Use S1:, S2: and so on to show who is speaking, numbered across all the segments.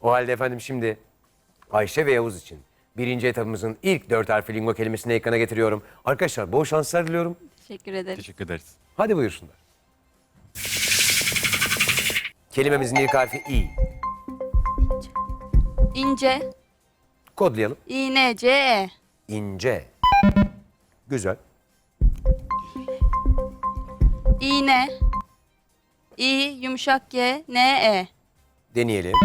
S1: O halde efendim şimdi Ayşe ve Yavuz için birinci etapımızın ilk 4 harfli lingo kelimesini ekrana getiriyorum. Arkadaşlar bol şanslar diliyorum.
S2: Teşekkür ederim.
S3: Teşekkür ederiz.
S1: Hadi buyursunlar. Kelimemizin ilk harfi İ.
S2: İnce.
S1: Kodlayalım.
S2: İğne.
S1: İnce. Güzel.
S2: İğne. İ yumuşak G N.
S1: Deneyelim.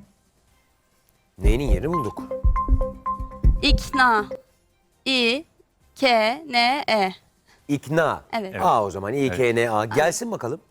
S1: N'nin yerini bulduk.
S2: İkna. İ K N.
S1: İkna.
S2: Evet.
S1: A o zaman. İKNA. Gelsin bakalım.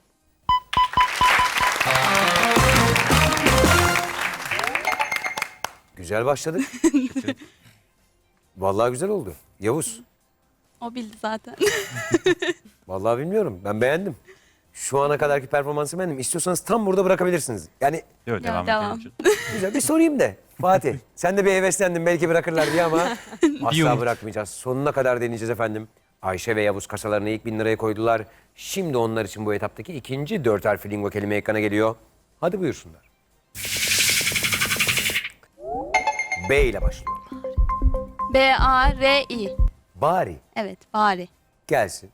S1: Güzel başladık. Vallahi güzel oldu. Yavuz.
S2: O bildi zaten.
S1: Vallahi bilmiyorum. Ben beğendim. Şu ana kadarki performansı beğendim. İstiyorsanız tam burada bırakabilirsiniz. Yani
S3: Yok, devam
S2: devam.
S3: edelim.
S1: güzel bir sorayım da. Fatih sen de bir heveslendin belki bırakırlar diye ama asla
S3: umut.
S1: bırakmayacağız. Sonuna kadar deneyeceğiz efendim. Ayşe ve Yavuz kasalarını ilk 1000 liraya koydular. Şimdi onlar için bu etaptaki ikinci 4 harfli lingo kelime ekrana geliyor. Hadi buyursunlar. B ile başlıyor.
S2: B-A-R-I.
S1: Bari
S2: Evet, bari.
S1: gelsin.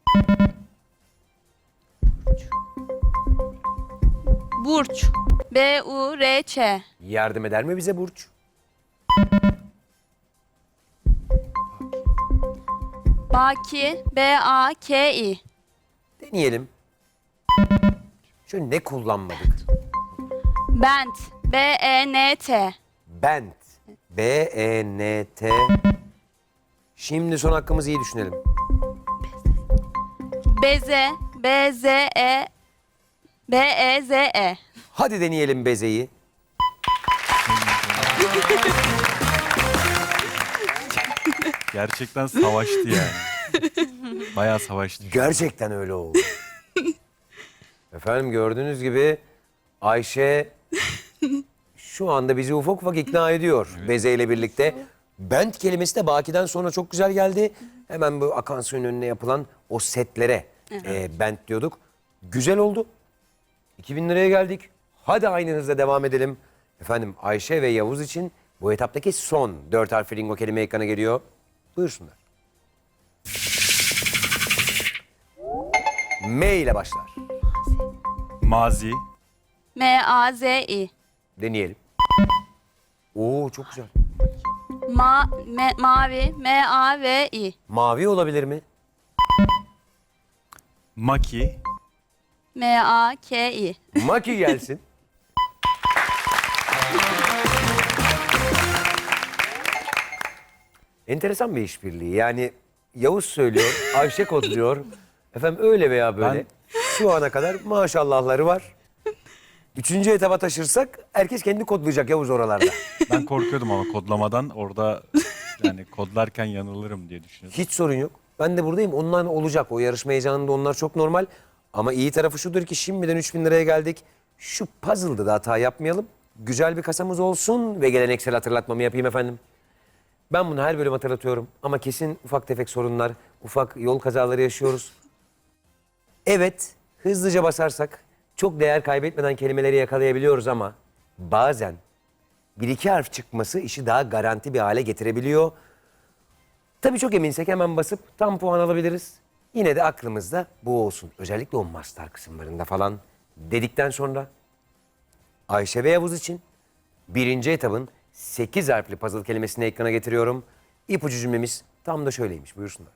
S2: Burç. B-U-R-Ç.
S1: Yardım eder mi bize Burç?
S2: Baki. B-A-K-I.
S1: Deneyelim. Şöyle ne kullanmadık?
S2: Bent. B-E-N-T.
S1: Bent. B-E-N-T. Şimdi son hakkımızı iyi düşünelim.
S2: Beze. B-Z-E. B-E-Z-E.
S1: Hadi deneyelim bezeyi.
S3: Gerçekten savaştı yani. Bayağı savaştı.
S1: Gerçekten öyle oldu. Efendim gördüğünüz gibi Ayşe şu anda bizi ufak ufak ikna ediyor bezeyle birlikte. Bent kelimesi de Baki'den sonra çok güzel geldi. Hemen bu akan suyun önüne yapılan o setlere bent diyorduk. Güzel oldu. 2000 liraya geldik. Hadi aynı hızla devam edelim. Efendim Ayşe ve Yavuz için bu etaptaki son 4 harfli lingo kelime ekrana geliyor. Buyursunlar. M ile başlar.
S3: Mazi,
S2: M-A-Z-I.
S1: Deneyelim. Oo çok güzel.
S2: Mavi. M-A-V-I.
S1: Mavi olabilir mi?
S3: maki,
S2: M-A-K-I.
S1: Maki gelsin. Enteresan bir işbirliği. Yani Yavuz söylüyor, Ayşe kodluyor. Efendim öyle veya böyle. Şu ana kadar maşallahları var. Üçüncü etaba taşırsak herkes kendi kodlayacak Yavuz oralarda.
S3: ben korkuyordum ama kodlamadan orada yani kodlarken yanılırım diye düşünüyordum.
S1: Hiç sorun yok. Ben de buradayım. Onlar olacak. O yarışma heyecanında onlar çok normal. Ama iyi tarafı şudur ki şimdiden 3000 liraya geldik. Şu puzzle'da da hata yapmayalım. Güzel bir kasamız olsun ve geleneksel hatırlatmamı yapayım efendim. Ben bunu her bölüm hatırlatıyorum ama kesin ufak tefek sorunlar, ufak yol kazaları yaşıyoruz. Evet, hızlıca basarsak çok değer kaybetmeden kelimeleri yakalayabiliyoruz ama bazen bir iki harf çıkması işi daha garanti bir hale getirebiliyor. Tabii çok eminsek hemen basıp tam puan alabiliriz. Yine de aklımızda bu olsun. Özellikle o master kısımlarında falan dedikten sonra Ayşe ve Yavuz için birinci etabın 8 harfli puzzle kelimesini ekrana getiriyorum. İpucu cümlemiz tam da şöyleymiş. Buyursunlar.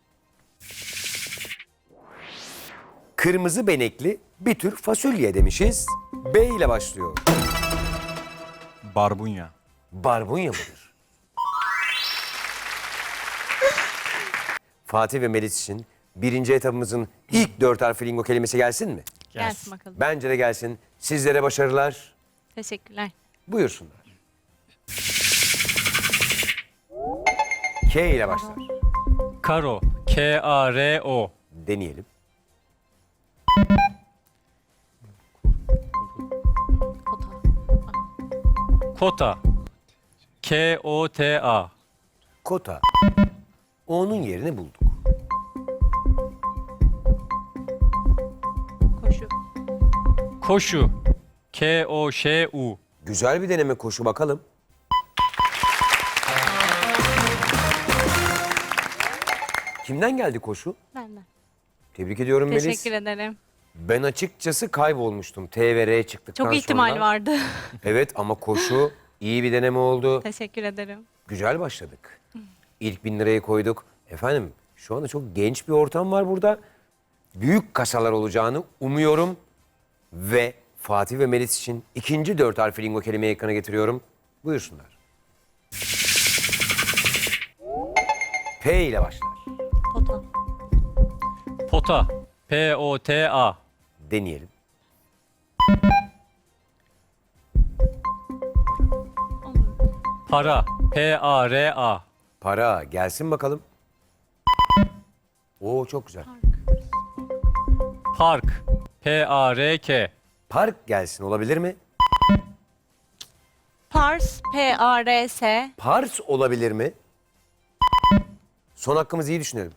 S1: Kırmızı benekli bir tür fasulye demişiz. B ile başlıyor.
S3: Barbunya,
S1: Barbunya mıdır? Fatih ve Melis için birinci etabımızın ilk 4 harfli lingo kelimesi gelsin mi?
S2: Gelsin bakalım.
S1: Bence de gelsin. Sizlere başarılar.
S2: Teşekkürler.
S1: Buyursunlar. K ile başlar.
S4: Karo. K-A-R-O.
S1: Deneyelim.
S4: Kota. K-O-T-A.
S1: Kota. O'nun yerini bulduk.
S2: Koşu.
S4: Koşu. K-O-Ş-U.
S1: Güzel bir deneme koşu bakalım. Kimden geldi koşu?
S2: Benden.
S1: Tebrik ediyorum Melis.
S2: Teşekkür ederim.
S1: Ben açıkçası kaybolmuştum. T ve R çıktıktan
S2: Çok ihtimal
S1: sonra.
S2: vardı.
S1: Evet ama koşu iyi bir deneme oldu.
S2: Teşekkür ederim.
S1: Güzel başladık. İlk 1000 lirayı koyduk. Efendim şu anda çok genç bir ortam var burada. Büyük kasalar olacağını umuyorum. Ve Fatih ve Melis için ikinci 4 harfli lingo kelimeyi ekrana getiriyorum. Buyursunlar. P ile başlar.
S2: Pota.
S4: Pota. P-O-T-A.
S1: Deneyelim.
S2: Olur.
S4: Para. P-A-R-A.
S1: Para gelsin bakalım. Oo çok güzel.
S4: Park. P-A-R-K.
S1: Park gelsin olabilir mi?
S2: Pars. P-A-R-S.
S1: Pars olabilir mi? Son hakkımızı iyi düşünelim.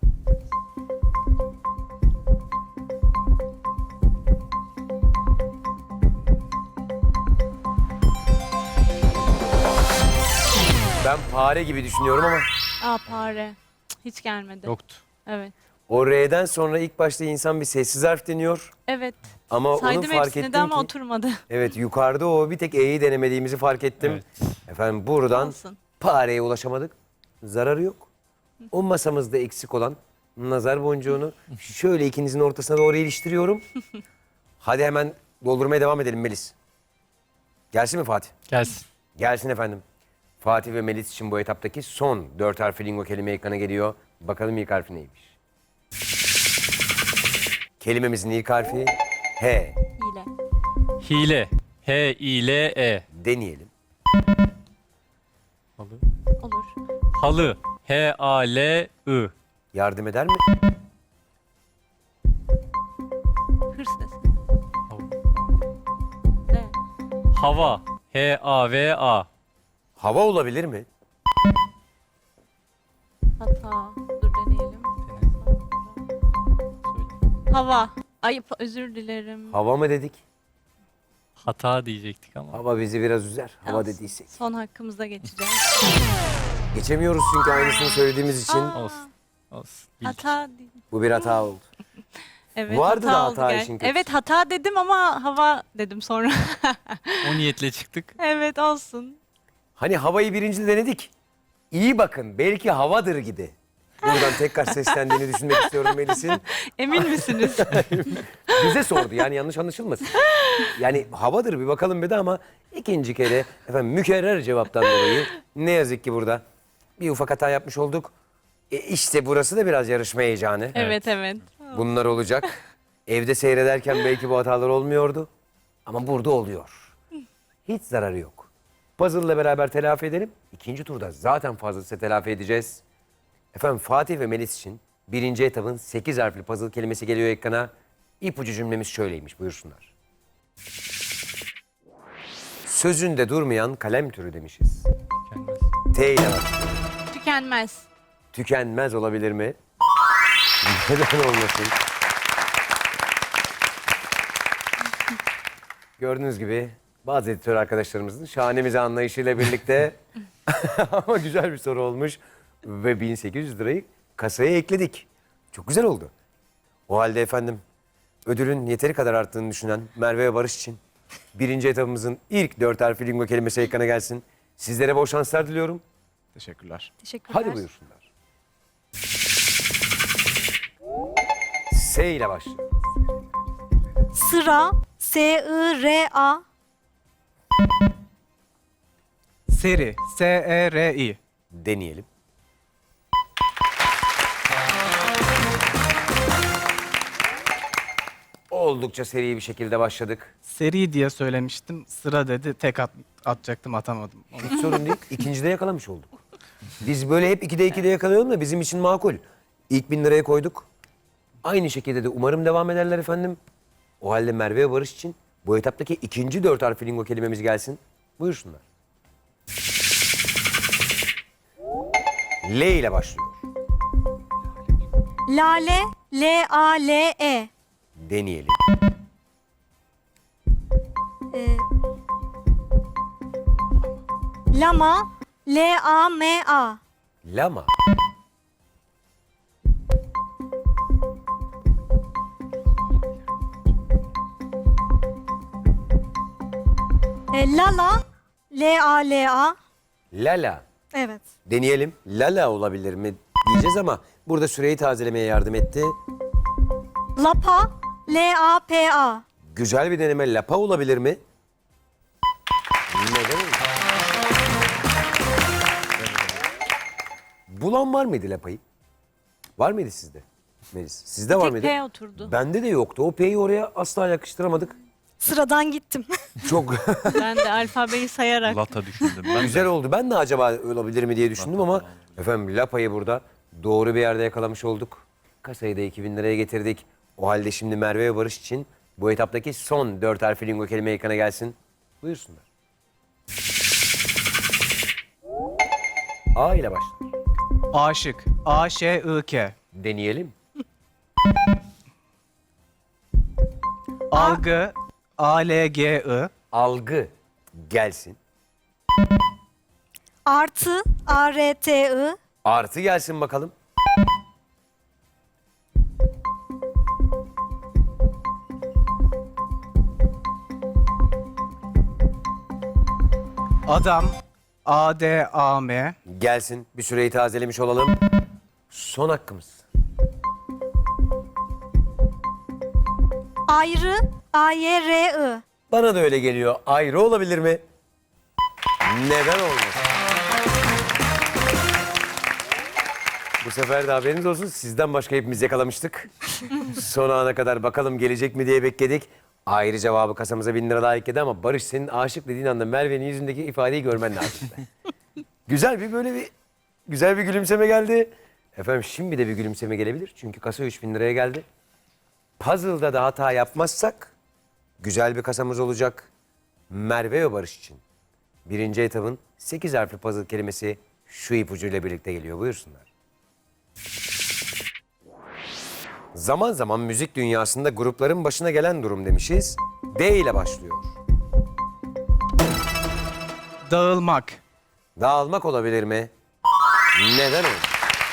S1: Ben fare gibi düşünüyorum ama
S2: Aa pare. Cık, hiç gelmedi.
S4: Yoktu.
S2: Evet.
S1: o R'den sonra ilk başta insan bir sessiz harf deniyor.
S2: Evet.
S1: Ama onu
S2: Saydım
S1: fark
S2: hepsini
S1: ettim
S2: de ama
S1: ki
S2: oturmadı.
S1: evet yukarıda o bir tek E'yi denemediğimizi fark ettim.
S4: Evet.
S1: Efendim buradan
S2: Olsun.
S1: pareye ulaşamadık. Zararı yok. O masamızda eksik olan nazar boncuğunu şöyle ikinizin ortasına doğru iliştiriyorum. Hadi hemen doldurmaya devam edelim Melis. Gelsin mi Fatih?
S4: Gelsin.
S1: Gelsin efendim. Fatih ve Melis için bu etaptaki son 4 harfli lingo kelime ekrana geliyor. Bakalım ilk harfi neymiş? Kelimemizin ilk harfi H.
S2: Hile.
S4: Hile. H-I-L-E.
S1: Deneyelim.
S4: Halı.
S2: Olur.
S4: Halı. H-A-L-I.
S1: Yardım eder mi?
S2: Hırs sesi. D.
S4: Hava. H-A-V-A.
S1: Hava olabilir mi?
S2: Hata. Dur deneyelim. Hava. Ay özür dilerim.
S1: Hava mı dedik?
S4: Hata diyecektik ama.
S1: Hava bizi biraz üzer. Hava
S2: Olsun.
S1: dediysek.
S2: Son hakkımızda geçeceğiz.
S1: Geçemiyoruz çünkü aynısını söylediğimiz için.
S2: Aa,
S4: Olsun. Olsun. Bildik.
S2: hata değil.
S1: Bu bir hata oldu.
S2: Evet,
S1: Vardı da
S2: oldu
S1: hata
S2: gel-
S1: işin kötüsü.
S2: Evet hata dedim ama hava dedim sonra.
S4: O niyetle çıktık.
S2: Evet olsun.
S1: Hani havayı birinci denedik. İyi bakın belki havadır gibi. Buradan tekrar seslendiğini düşünmek istiyorum Melis'in.
S2: Emin misiniz?
S1: Bize sordu yani yanlış anlaşılmasın. Yani havadır bir bakalım bir de ama ikinci kere efendim mükerrer cevaptan dolayı ne yazık ki burada bir ufak hata yapmış olduk. İşte burası da biraz yarışma heyecanı.
S2: Evet evet.
S1: Bunlar olacak. Evde seyrederken belki bu hatalar olmuyordu. Ama burada oluyor. Hiç zararı yok. Puzzle'la beraber telafi edelim. İkinci turda zaten fazlasıyla telafi edeceğiz. Efendim Fatih ve Melis için birinci etapın 8 harfli puzzle kelimesi geliyor ekrana. İpucu cümlemiz şöyleymiş buyursunlar. Sözünde durmayan kalem türü demişiz.
S4: Gelmez.
S1: T ile başlıyor.
S2: Tükenmez.
S1: Tükenmez olabilir mi? Neden olmasın? Gördüğünüz gibi bazı editör arkadaşlarımızın şahanemize anlayışıyla birlikte ama güzel bir soru olmuş ve 1800 lirayı kasaya ekledik. Çok güzel oldu. O halde efendim ödülün yeteri kadar arttığını düşünen Merve ve Barış için birinci etapımızın ilk 4 harfli lingo kelimesi ekrana gelsin. Sizlere bol şanslar diliyorum.
S3: Teşekkürler.
S2: Teşekkürler.
S1: Hadi buyursunlar. S ile başlıyor.
S2: Sıra. S-I-R-A.
S5: Seri. S-E-R-I.
S1: Deneyelim. Oldukça seri bir şekilde başladık.
S5: Seri diye söylemiştim. Sıra dedi. Tek atacaktım atamadım.
S1: Hiç sorun değil. İkincide yakalamış olduk. Biz böyle hep 2'de yakalayalım da bizim için makul. İlk 1000 liraya koyduk. Aynı şekilde de umarım devam ederler efendim. O halde Merve ve Barış için bu etaptaki ikinci 4 harfli lingo kelimemiz gelsin. Buyursunlar. L ile başlıyor.
S2: Lale. L-A-L-E.
S1: Deneyelim.
S2: Lama. L-A-M-A.
S1: Lama.
S2: Lala. L-A-L-A.
S1: Lala.
S2: Evet.
S1: Deneyelim. Lala olabilir mi diyeceğiz ama burada süreyi tazelemeye yardım etti.
S2: Lapa. L-A-P-A.
S1: Güzel bir deneme. Lapa olabilir mi? Neden olmasın? Bulan var mıydı lapayı? Var mıydı sizde? Melis. Sizde var
S2: Tek
S1: mıydı?
S2: P oturdu.
S1: Bende de yoktu. O P'yi oraya asla yakıştıramadık.
S2: Sıradan gittim.
S1: Çok
S2: Ben de alfabeyi sayarak.
S3: Lata düşündüm ben.
S1: güzel oldu. Ben de acaba olabilir mi diye düşündüm ama efendim lapayı burada doğru bir yerde yakalamış olduk. Kasayı da 2000 liraya getirdik. O halde şimdi Merve ve Barış için bu etaptaki son 4 harfli lingo kelime ekrana gelsin. Buyursunlar. A ile başlar.
S5: Aşık. A-Ş-I-K.
S1: Deneyelim.
S5: Algı. A-L-G-I.
S1: Algı gelsin.
S2: Artı. A-R-T-I.
S1: Artı gelsin bakalım.
S5: Adam. A-D-A-M.
S1: Gelsin. Bir süreyi tazelemiş olalım. Son hakkımız.
S2: Ayrı. A-Y-R-I.
S1: Bana da öyle geliyor. Ayrı olabilir mi? Neden olmasın? Bu sefer de haberiniz olsun. Sizden başka hepimiz yakalamıştık. Son ana kadar bakalım gelecek mi diye bekledik. Ayrı cevabı kasamıza 1000 lira daha ekledi ama Barış senin aşık dediğin anda Merve'nin yüzündeki ifadeyi görmen lazım. Güzel bir böyle bir güzel bir gülümseme geldi. Efendim şimdi de bir gülümseme gelebilir. Çünkü kasa 3000 liraya geldi. Puzzle'da da hata yapmazsak güzel bir kasamız olacak. Merve ve Barış için. Birinci etabın 8 harfli puzzle kelimesi şu ipucuyla birlikte geliyor. Buyursunlar. Zaman zaman müzik dünyasında grupların başına gelen durum demişiz. D ile başlıyor.
S5: Dağılmak.
S1: Dağılmak olabilir mi? Neden olur?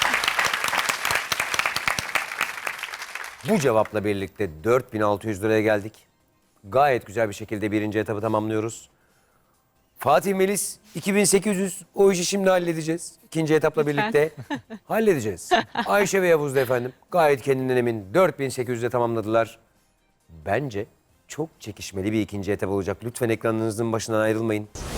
S1: Bu cevapla birlikte 4600 liraya geldik. Gayet güzel bir şekilde birinci etabı tamamlıyoruz. Fatih Melis 2800 o işi şimdi halledeceğiz. İkinci etapla birlikte halledeceğiz. Ayşe ve Yavuz da efendim gayet kendinden emin 4800'de tamamladılar. Bence çok çekişmeli bir ikinci etap olacak. Lütfen ekranınızın başından ayrılmayın.